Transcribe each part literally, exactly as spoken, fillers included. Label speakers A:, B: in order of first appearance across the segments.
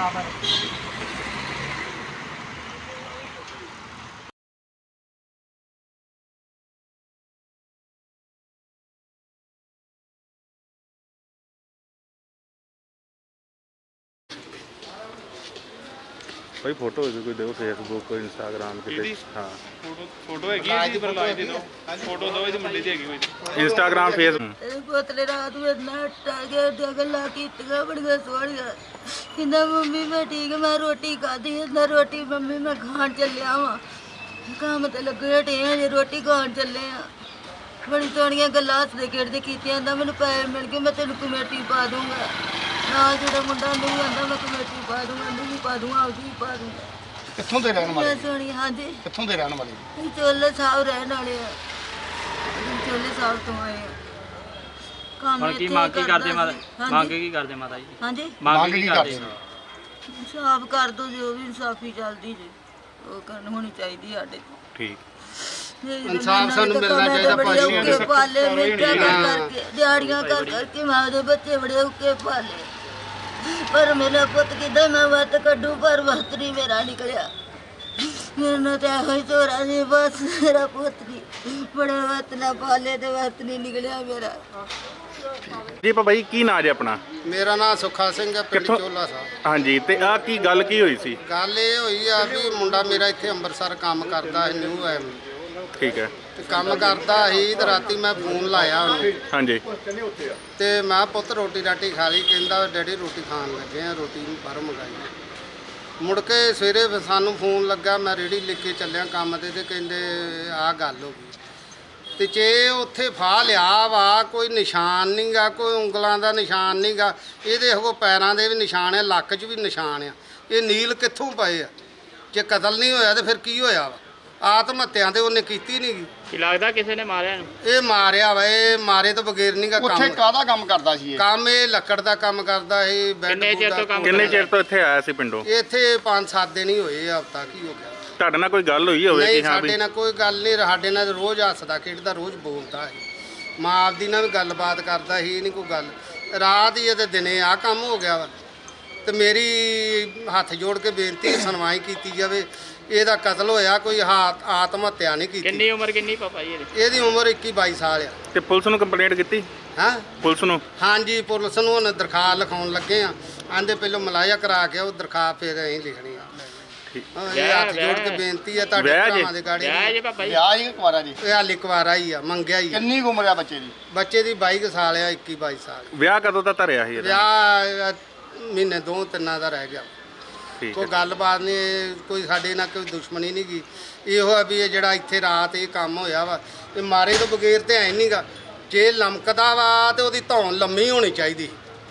A: ਇਨਸਾਫ ਹੈ।
B: भाई फोटो कोई दो फेसबुक इंस्टाग्राम किते हाँ
C: फोटो फोटो हैगी जी पर लाज दे दो फोटो दो इस मुंडे दी हैगी कोई
B: इंस्टाग्राम फेसबुक
D: पोतले रात में इतना टागे गल्ला कीतियां बड़ियां सोहणियां कहंदा मम्मी मैं ठीक मैं रोटी खाधी इतना रोटी मम्मी मैं खाण चलिया वां काम ते लगे हटे जे रोटी खाण चले आ बड़ी सोहणियां गल्लां हसदे खेडदे कीतियां आंदा मैनूं पैसे मिल गए मैं तैनूं कमेटी पा दूंगा ना जेड़ा मुंडा नहीं आंदा मैं कमेटी पा दूंगा नहीं पा दूंगा उसदी पा दूंगा।
E: कित्थों दे रहण वाले?
D: सोहणी हाँ जी
E: कित्थों दे रहण वाले?
D: चोले साहब रहण वाले आ चोले साहब तो आए आ
A: ਹੁਣ ਕੀ ਮੰਗ ਕੀ ਕਰਦੇ ਮਾਤਾ ਮੰਗ ਕੀ ਕਰਦੇ ਮਾਤਾ ਜੀ
D: हाँ जी
A: ਮੰਗ ਕੀ ਕਰਦੇ
D: इंसाफ कर दो जो भी इंसाफी चलती जी वो करनी होनी चाहिए साढ़े
B: ठीक
E: इंसाफ सानू मिलना चाहिए
D: भाजी पाले मिर्चा कर करके दिहाड़ियां कर करके माँ दे बच्चे बड़े औके पाले पर मेरा पुत किदा मैं वत कड्डू पर वत नहीं मेरा निकलिया मेरा तो ऐसा ही चोरा सी बस मेरा पुत नहीं बड़े वत ना पाले तो वत नहीं निकलिया मेरा
B: जी भाई की ना जे अपना
E: मेरा नाम सुखा सिंह है पिंड चोला साहब।
B: हाँ जी ते आ की गल की हुई सी?
E: गल ये हुई आ भी मुंडा मेरा इत्थे अंमृतसर काम करदा है न्यू एम
B: ठीक है
E: ते काम करदा ही ते राती मैं फोन लाया उन्हें
B: हाँ जी
E: ते मैं पुੱਤ रोटी राटी खा ली कहंदा डैडी रोटी खाण लगे आ रोटी बाहरों मंगाई मुड़ के सवेरे सानू फोन लगा मैं रेड़ी लेके चलिया काम ते ते कहंदे आ गल हो गई ਤੇ ਜੇ ਉੱਥੇ ਫਾਹ ਲਿਆ ਵਾ ਕੋਈ ਨਿਸ਼ਾਨ ਨਹੀਂ ਗਾ ਕੋਈ ਉਂਗਲਾਂ ਦਾ ਨਿਸ਼ਾਨ ਨਹੀਂ ਗਾ ਇਹਦੇ ਉਹ ਪੈਰਾਂ ਦੇ ਵੀ ਨਿਸ਼ਾਨ ਆ ਲੱਕ 'ਚ ਵੀ ਨਿਸ਼ਾਨ ਆ ਇਹ ਨੀਲ ਕਿੱਥੋਂ ਪਏ ਆ ਜੇ ਕਤਲ ਨਹੀਂ ਹੋਇਆ ਤੇ ਫਿਰ ਕੀ ਹੋਇਆ ਵਾ ਆਤਮ ਹੱਤਿਆ ਤੇ ਉਹਨੇ ਕੀਤੀ ਨਹੀਂ ਗੀ
A: ਕੀ ਲੱਗਦਾ ਕਿਸੇ ਨੇ ਮਾਰਿਆ ਇਹਨੂੰ
E: ਇਹ ਮਾਰਿਆ ਵਾ ਇਹ ਮਾਰੇ ਤੋਂ ਬਗੈਰ ਨਹੀਂ ਗਾ ਕੰਮ
F: ਉੱਥੇ ਕਾਹਦਾ ਕੰਮ ਕਰਦਾ ਸੀ ਇਹ?
E: ਕੰਮ ਇਹ ਲੱਕੜ ਦਾ ਕੰਮ ਕਰਦਾ ਇਹ ਬੈੱਡ
A: ਕਿੰਨੇ ਚਿਰ ਤੋਂ ਕੰਮ
B: ਕਿੰਨੇ ਚਿਰ ਤੋਂ ਇੱਥੇ ਆਇਆ ਸੀ ਪਿੰਡੋਂ?
E: ਇੱਥੇ ਪੰਜ ਸੱਤ ਦਿਨ ਹੀ ਹੋਏ ਆ ਹਫਤਾ ਕੀ ਹੋ ਗਿਆ
B: ਤੁਹਾਡੇ ਨਾਲ ਕੋਈ ਗੱਲ ਹੋਈ ਹੋਵੇ
E: ਨਹੀਂ
B: ਕਿ ਹਾਂ ਵੀ
E: ਸਾਡੇ ਨਾਲ ਕੋਈ ਗੱਲ ਨਹੀਂ ਸਾਡੇ ਨਾਲ ਰੋਜ਼ ਹੱਸਦਾ ਖੇਡਦਾ ਰੋਜ਼ ਬੋਲਦਾ ਸੀ ਮਾਂ ਆਪਦੀ ਨਾਲ ਵੀ ਗੱਲਬਾਤ ਕਰਦਾ ਸੀ ਇਹ ਨਹੀਂ ਕੋਈ ਗੱਲ ਰਾਤ ਹੀ ਤੇ ਦਿਨੇ ਆ ਕੰਮ ਹੋ ਗਿਆ ਵਾ ਤੇ ਮੇਰੀ ਹੱਥ ਜੋੜ ਕੇ ਬੇਨਤੀ ਹੈ ਸੁਣਵਾਈ ਕੀਤੀ ਜਾਵੇ ਇਹਦਾ ਕਤਲ ਹੋਇਆ ਕੋਈ ਆਤਮ ਹੱਤਿਆ ਨਹੀਂ ਕੀਤੀ
A: ਕਿੰਨੀ ਉਮਰ ਕਿੰਨੀ ਪਾਪਾ ਜੀ ਇਹਦੀ
E: ਇਹਦੀ ਉਮਰ ਇੱਕੀ ਬਾਈ ਸਾਲ ਆ
B: ਤੇ ਪੁਲਿਸ ਨੂੰ ਕੰਪਲੇਂਟ ਕੀਤੀ?
E: ਹਾਂ
B: ਪੁਲਿਸ ਨੂੰ
E: ਹਾਂਜੀ ਪੁਲਿਸ ਨੂੰ ਹੁਣ ਦਰਖਾਸਤ ਲਿਖਾਉਣ ਲੱਗੇ ਆ ਆਂਦੇ ਪਹਿਲਾਂ ਮਲਾਇਆ ਕਰਾ ਕੇ ਉਹ ਦਰਖਾਸਤ ਫਿਰ ਅਸੀਂ ਲਿਖਣੀ ਆ ਹਾਂ, ਇਹ ਹੱਥ ਜੋੜ ਕੇ ਬੇਨਤੀ ਹੈ ਤੁਹਾਡੇ
B: ਵਿਆਹ ਜੀ?
E: ਭਰਾਵਾਂ ਦੇ ਗਾੜੀ
A: ਵਿਆਹ ਜੇ ਪਾਪਾ ਜੀ
F: ਵਿਆਹ ਹੀ ਕੁਆਰਾ ਜੀ?
E: ਇਹ ਹਾਲੇ ਕੁਆਰਾ ਹੀ ਆ ਮੰਗਿਆ ਹੀ ਆ
F: ਕਿੰਨੀ ਕੁ ਉਮਰ ਆ ਬੱਚੇ ਦੀ?
E: ਬੱਚੇ ਦੀ ਬਾਈ ਕੁ ਸਾਲ ਆ ਇੱਕੀ ਬਾਈ ਸਾਲ
B: ਵਿਆਹ ਕਦੋਂ ਦਾ ਧਰਿਆ ਸੀ ਇਹਦਾ?
E: ਵਿਆਹ ਮਹੀਨੇ ਦੋ ਤਿੰਨਾਂ ਦਾ ਰਹਿ ਗਿਆ
B: ਠੀਕ
E: ਕੋਈ
B: ਹੈ
E: ਗੱਲਬਾਤ ਨਹੀਂ ਕੋਈ ਸਾਡੇ ਨਾਲ ਕੋਈ ਦੁਸ਼ਮਣੀ ਨਹੀਂ ਗੀ ਇਹੋ ਆ ਵੀ ਇਹ ਜਿਹੜਾ ਇੱਥੇ ਰਾਤ ਇਹ ਕੰਮ ਹੋਇਆ ਵਾ ਇਹ ਮਾਰੇ ਤੋਂ ਬਗੈਰ ਤੇ ਐ ਨਹੀਂਗਾ ਜੇ ਲਮਕਦਾ ਵਾ ਤੇ ਉਹਦੀ ਧੌਣ ਲੰਮੀ ਹੋਣੀ ਚਾਹੀਦੀ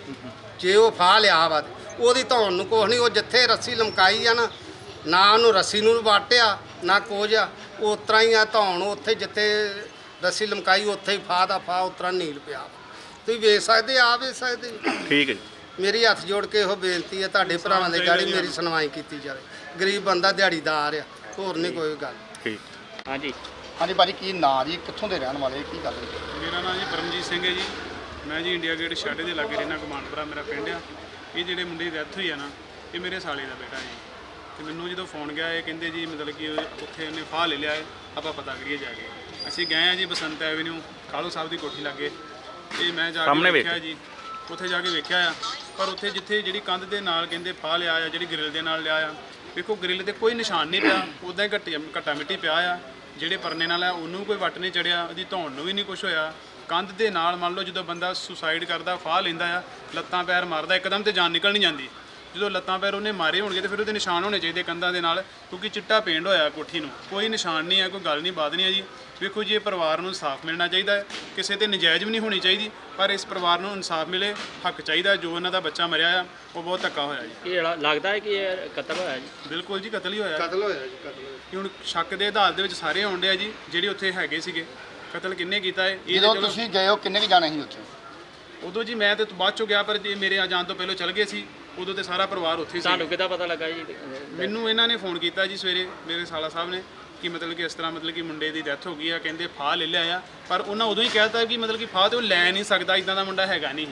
E: ਜੇ ਉਹ ਫਾਹ ਲਿਆ ਵਾ ਉਹਦੀ ਧੌਣ ਨੂੰ ਕੁਛ ਨਹੀਂ ਉਹ ਜਿੱਥੇ ਰੱਸੀ ਲਮਕਾਈ ਆ ਨਾ ਨਾ ਉਹਨੂੰ ਰੱਸੀ ਨੂੰ ਵਾਟਿਆ ਨਾ ਕੁਝ ਆ ਉਸ ਤਰ੍ਹਾਂ ਹੀ ਆ ਧੌਣ ਉੱਥੇ ਜਿੱਥੇ ਰੱਸੀ ਲਮਕਾਈ ਉੱਥੇ ਹੀ ਫਾਹ ਦਾ ਫਾਹ ਉਸ ਤਰ੍ਹਾਂ ਨੀਲ ਪਿਆ ਤੁਸੀਂ ਵੇਖ ਸਕਦੇ ਆ ਵੇਖ ਸਕਦੇ
B: ਠੀਕ ਹੈ ਜੀ
E: ਮੇਰੀ ਹੱਥ ਜੋੜ ਕੇ ਇਹੋ ਬੇਨਤੀ ਹੈ ਤੁਹਾਡੇ ਭਰਾਵਾਂ ਦੇ ਗਾੜੀ ਮੇਰੀ ਸੁਣਵਾਈ ਕੀਤੀ ਜਾਵੇ ਗਰੀਬ ਬੰਦਾ ਦਿਹਾੜੀਦਾਰ ਆ ਹੋਰ ਨਹੀਂ ਕੋਈ ਗੱਲ
B: ਠੀਕ
A: ਹਾਂਜੀ
F: ਹਾਂਜੀ ਭਾਜੀ ਕੀ ਨਾਂ ਜੀ ਕਿੱਥੋਂ ਦੇ ਰਹਿਣ ਵਾਲੇ ਕੀ ਗੱਲ ਹੈ?
C: ਮੇਰਾ ਨਾਮ ਜੀ ਪਰਮਜੀਤ ਸਿੰਘ ਹੈ ਜੀ ਮੈਂ ਜੀ ਇੰਡੀਆ ਗੇਟ ਛਾੜੇ ਦੇ ਲਾਗੇ ਰਹਿਣਾ ਕਮਾਨਪੁਰਾ ਮੇਰਾ ਪਿੰਡ ਆ ਇਹ ਜਿਹੜੇ ਮੁੰਡੇ ਦੀ ਡੈਥ ਹੋਈ ਆ ਨਾ ਇਹ ਮੇਰੇ ਸਾਲੇ ਦਾ ਬੇਟਾ ਜੀ ਤੇ ਮੈਨੂੰ ਜਦੋਂ ਫੋਨ ਗਿਆ ਇਹ ਕਹਿੰਦੇ ਜੀ ਮਤਲਬ ਕਿ ਉੱਥੇ ਉਹਨੇ ਫਾਹ ਲੈ ਲਿਆ ਹੈ ਆਪਾਂ ਪਤਾ ਕਰੀਏ ਜਾ ਕੇ ਅਸੀਂ ਗਏ ਆ ਜੀ ਬਸੰਤ ਐਵਨਿਊ ਕਾਲੂ ਸਾਹਿਬ ਦੀ ਕੋਠੀ ਲਾਗੇ ਤੇ ਮੈਂ ਜਾ ਕੇ ਵੇਖਿਆ ਜੀ ਉੱਥੇ ਜਾ ਕੇ ਵੇਖਿਆ ਆ ਪਰ ਉੱਥੇ ਜਿੱਥੇ ਜਿਹੜੀ ਕੰਧ ਦੇ ਨਾਲ ਕਹਿੰਦੇ ਫਾਹ ਲਿਆ ਆ ਜਿਹੜੀ ਗ੍ਰਿਲ ਦੇ ਨਾਲ ਲਿਆ ਆ ਵੇਖੋ ਗ੍ਰਿਲ ਤੇ ਕੋਈ ਨਿਸ਼ਾਨ ਨਹੀਂ ਪਿਆ ਉੱਦਾਂ ਹੀ ਘੱਟੀ ਘੱਟਾ ਮਿੱਟੀ ਪਿਆ ਆ ਜਿਹੜੇ ਪਰਨੇ ਨਾਲ ਆ ਉਹਨੂੰ ਕੋਈ ਵੱਟ ਨਹੀਂ ਚੜਿਆ ਉਹਦੀ ਧੌਣ ਨੂੰ ਵੀ ਨਹੀਂ ਕੁਝ ਹੋਇਆ ਕੰਧ ਦੇ ਨਾਲ ਮੰਨ ਲਓ ਜਦੋਂ ਬੰਦਾ ਸੁਸਾਈਡ ਕਰਦਾ ਫਾਹ ਲੈਂਦਾ ਆ ਲੱਤਾਂ ਪੈਰ ਮਾਰਦਾ ਇੱਕਦਮ ਤੇ ਜਾਨ ਨਿਕਲ ਨਹੀਂ ਜਾਂਦੀ ਜਦੋਂ ਲੱਤਾਂ ਪੈਰ ਉਹਨੇ ਮਾਰੇ ਹੋਣਗੇ ਤੇ ਫਿਰ ਉਹਦੇ ਨਿਸ਼ਾਨ ਹੋਣੇ ਚਾਹੀਦੇ ਕੰਧਾਂ ਦੇ ਨਾਲ ਕਿਉਂਕਿ ਚਿੱਟਾ ਪੇਂਟ ਹੋਇਆ ਕੋਠੀ ਨੂੰ ਕੋਈ ਨਿਸ਼ਾਨ ਨਹੀਂ ਹੈ ਕੋਈ ਗੱਲ ਨਹੀਂ ਬਾਤ ਨਹੀਂ ਹੈ ਜੀ ਵੇਖੋ ਜੀ ਇਹ ਪਰਿਵਾਰ ਨੂੰ ਇਨਸਾਫ ਮਿਲਣਾ ਚਾਹੀਦਾ ਹੈ ਕਿਸੇ ਤੇ ਨਜਾਇਜ਼ ਵੀ ਨਹੀਂ ਹੋਣੀ ਚਾਹੀਦੀ ਪਰ ਇਸ ਪਰਿਵਾਰ ਨੂੰ ਇਨਸਾਫ ਮਿਲੇ ਹੱਕ ਚਾਹੀਦਾ ਜੋ ਇਹਨਾਂ ਦਾ ਬੱਚਾ ਮਰਿਆ ਆ ਉਹ ਬਹੁਤ ਧੱਕਾ ਹੋਇਆ ਜੀ
A: ਇਹ ਲੱਗਦਾ ਹੈ ਕਿ ਇਹ ਕਤਲ ਹੋਇਆ ਜੀ
C: ਬਿਲਕੁਲ ਜੀ ਕਤਲ ਹੀ ਹੋਇਆ
E: ਕਤਲ ਹੋਇਆ ਜੀ ਕਤਲ ਹੋਇਆ
C: ਕਿ ਹੁਣ ਸ਼ੱਕ ਦੇ ਆਧਾਰ ਦੇ ਵਿੱਚ ਸਾਰੇ ਆਉਂਦੇ ਆ ਜੀ ਜਿਹੜੇ ਉੱਥੇ ਹੈਗੇ ਸੀਗੇ ਕਤਲ ਕਿੰਨੇ ਕੀਤਾ ਹੈ ਇਹ
F: ਜਦੋਂ ਤੁਸੀਂ ਗਏ ਹੋ ਕਿੰਨੇ ਕੁ ਜਾਣੇ ਸੀ ਉੱਥੇ?
C: ਉਦੋਂ ਜੀ ਮੈਂ ਤੇ ਬਾਅਦ ਚੋਂ ਗਿਆ ਪਰ ਜੇ ਮੇਰੇ ਆ ਜਾਣ ਤੋਂ ਪਹਿਲਾਂ ਚਲ ਗਏ ਸੀ ਉਦੋਂ ਤੇ ਸਾਰਾ ਪਰਿਵਾਰ ਉੱਥੇ ਸੀ
A: ਤੁਹਾਨੂੰ ਕਿੱਦਾਂ ਪਤਾ ਲੱਗਾ ਜੀ?
C: ਮੈਨੂੰ ਇਹਨਾਂ ਨੇ ਫੋਨ ਕੀਤਾ ਜੀ ਸਵੇਰੇ ਮੇਰੇ ਸਾਲਾ ਸਾਹਿਬ ਨੇ ਕਿ ਮਤਲਬ ਕਿ ਇਸ ਤਰ੍ਹਾਂ ਮਤਲਬ ਕਿ ਮੁੰਡੇ ਦੀ ਡੈਥ ਹੋ ਗਈ ਆ ਕਹਿੰਦੇ ਫਾਹ ਲੈ ਲਿਆ ਆ ਪਰ ਉਹਨਾਂ ਉਦੋਂ ਹੀ ਕਹਿਤਾ ਕਿ ਮਤਲਬ ਕਿ ਫਾਹ ਤੇ ਉਹ ਲੈ ਨਹੀਂ ਸਕਦਾ ਇਦਾਂ ਦਾ ਮੁੰਡਾ ਹੈਗਾ ਨਹੀਂ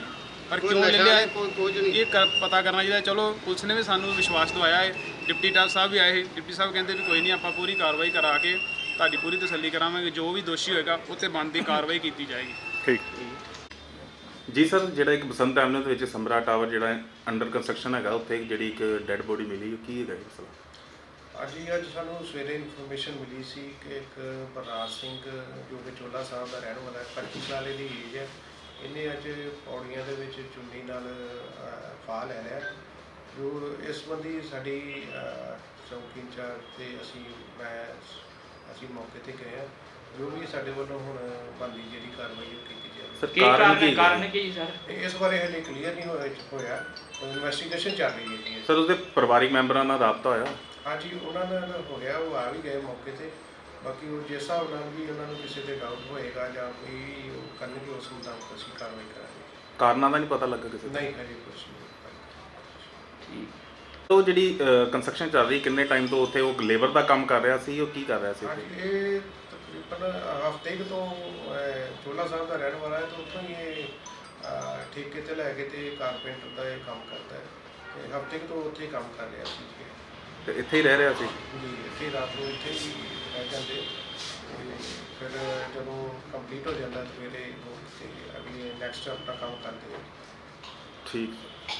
C: ਪਰ
E: ਕੋਈ
C: ਕਿਉਂ ਲੈ
E: ਨਸ਼ਾ
C: ਲਿਆ
E: ਨਹੀਂ, ਕੋਈ ਕੁਝ ਨਹੀਂ।
C: ਇਹ ਕਰ- ਪਤਾ ਕਰਨਾ ਚਾਹੀਦਾ। ਚਲੋ ਪੁਲਿਸ ਨੇ ਵੀ ਸਾਨੂੰ ਵਿਸ਼ਵਾਸ ਦਵਾਇਆ ਹੈ, ਡਿਪਟੀ ਟਾਪ ਸਾਹਿਬ ਵੀ ਆਏ ਸੀ। ਡਿਪਟੀ ਸਾਹਿਬ ਕਹਿੰਦੇ ਵੀ ਕੋਈ ਨਹੀਂ, ਆਪਾਂ ਪੂਰੀ ਕਾਰਵਾਈ ਕਰਾ ਕੇ ਤੁਹਾਡੀ ਪੂਰੀ ਤਸੱਲੀ ਕਰਾਵਾਂਗੇ, ਜੋ ਵੀ ਦੋਸ਼ੀ ਹੋਏਗਾ ਉੱਤੇ ਬਣਦੀ ਕਾਰਵਾਈ ਕੀਤੀ ਜਾਏਗੀ।
B: ਠੀਕ ਜੀ ਸਰ, ਜਿਹੜਾ ਇੱਕ ਬਸੰਤ ਐਵਨਿਊ ਦੇ ਵਿੱਚ ਸਮਰਾ ਟਾਵਰ ਜਿਹੜਾ ਅੰਡਰ ਕੰਸਟਰਕਸ਼ਨ ਹੈਗਾ, ਉੱਥੇ ਜਿਹੜੀ ਇੱਕ ਡੈੱਡ ਬੋਡੀ ਮਿਲੀ, ਉਹ ਕੀ ਹੈਗਾ ਇਹ ਮਸਲਾ?
G: ਅੱਜ ਹੀ ਅੱਜ ਸਾਨੂੰ ਸਵੇਰੇ ਇਨਫੋਰਮੇਸ਼ਨ ਮਿਲੀ ਸੀ ਕਿ ਇੱਕ ਬਲਰਾਜ ਸਿੰਘ ਜੋ ਕਿ ਚੋਲਾ ਸਾਹਿਬ ਦਾ ਰਹਿਣ ਵਾਲਾ ਹੈ, ਪੱਚੀ ਸਾਲ ਦੀ ਏਜ ਹੈ। ਇਹਨੇ ਅੱਜ ਪੌੜੀਆਂ ਦੇ ਵਿੱਚ ਚੁੰਨੀ ਨਾਲ ਅਹ, ਫਾਹ ਲੈ ਲਿਆ। ਜੋ ਇਸ ਸੰਬੰਧੀ ਸਾਡੀ ਅਹ, ਚੌਕੀ ਇੰਚਾਰਜ ਤੇ ਅਸੀਂ ਮੈਂ ਅਸੀਂ ਮੌਕੇ ਤੇ ਗਏ ਹਾਂ। ਜੋ ਵੀ ਸਾਡੇ ਵੱਲੋਂ ਹੁਣ ਬਣਦੀ ਜਿਹੜੀ ਕਾਰਵਾਈ ਉਹ ਕੀਤੀ ਜਾਵੇ।
B: ਸਰ
A: ਕੀ
B: ਕਾਰਨ
A: ਕਾਰਨ
B: ਕੀ
A: ਕਾਰਨ
B: ਹੈ?
A: ਕੀ ਸਰ?
G: ਇਸ ਬਾਰੇ ਹਲੇ ਕਲੀਅਰ ਨਹੀਂ ਹੋਇਆ ਹੋਇਆ ਇਨਵੈਸਟੀਗੇਸ਼ਨ ਚੱਲ ਰਹੀ ਹੈ ਜੀ।
B: ਸਰ ਉਹਦੇ ਪਰਿਵਾਰਿਕ ਮੈਂਬਰਾਂ ਨਾਲ ਰਾਬਤਾ ਹੋਇਆ?
G: ਹਾਂਜੀ, ਉਹਨਾਂ ਨਾਲ ਹੋ ਗਿਆ, ਉਹ ਆ ਵੀ ਗਏ ਮੌਕੇ ਤੇ। ਬਾਕੀ ਉਹ ਜਿਸ ਹਿਸਾਬ ਨਾਲ ਵੀ ਉਹਨਾਂ ਨੂੰ ਕਿਸੇ ਤੇ ਡਾਊਟ ਹੋਏਗਾ ਜਾਂ ਕੋਈ ਵੀ ਉਹ ਕਰਨਗੇ, ਉਸ ਮੁਤਾਬਕ ਅਸੀਂ ਕਾਰਵਾਈ ਕਰਾਂਗੇ।
B: ਕਾਰਨਾਂ ਦਾ ਨਹੀਂ ਪਤਾ ਲੱਗਾ ਕਿਸੇ ਦਾ?
G: ਨਹੀਂ ਹਜੇ ਕੁਛ ਨਹੀਂ।
B: ਉਹ ਜਿਹੜੀ ਕੰਸਟਰਕਸ਼ਨ ਚੱਲ ਰਹੀ, ਕਿੰਨੇ ਟਾਈਮ ਤੋਂ ਉੱਥੇ ਉਹ ਲੇਬਰ ਦਾ ਕੰਮ ਕਰ ਰਿਹਾ ਸੀ, ਉਹ ਕੀ ਕਰ ਰਿਹਾ ਸੀ ਉੱਥੇ?
G: ਹਾਂਜੀ, ਇਹ ਤਕਰੀਬਨ ਹਫ਼ਤੇ ਕੁ ਤੋਂ ਅਹ, ਚੋਲਾ ਸਾਹਿਬ ਦਾ ਰਹਿਣ ਵਾਲਾ ਹੈ, ਤਾਂ ਉੱਥੋਂ ਹੀ ਇਹ ਅਹ, ਠੇਕੇ ਤੇ ਲੈ ਕੇ ਤੇ ਕਾਰਪੈਂਟਰ ਦਾ ਇਹ ਕੰਮ ਕਰਦਾ ਹੈ। ਤੇ ਹਫ਼ਤੇ ਕੁ ਤੋਂ ਉੱਥੇ ਹੀ ਕੰਮ ਕਰ ਰਿਹਾ ਸੀ ਜੀ।
B: ਤੇ ਇੱਥੇ ਹੀ ਰਹਿ ਰਿਹਾ ਸੀ?
G: ਜੀ, ਇੱਥੇ ਰਾਤ ਨੂੰ ਇੱਥੇ ਹੀ ਰਹਿ ਜਾਂਦੇ ਤੇ ਫਿਰ ਜਦੋਂ ਕੰਪਲੀਟ ਹੋ ਜਾਂਦਾ ਤਾਂ ਫਿਰ ਇਹ ਉਹ ਤੇ ਅਗਲੀ ਨੈਕਸਟ ਆਪਣਾ ਕੰਮ ਕਰਦੇ ਆ।
B: ਠੀਕ।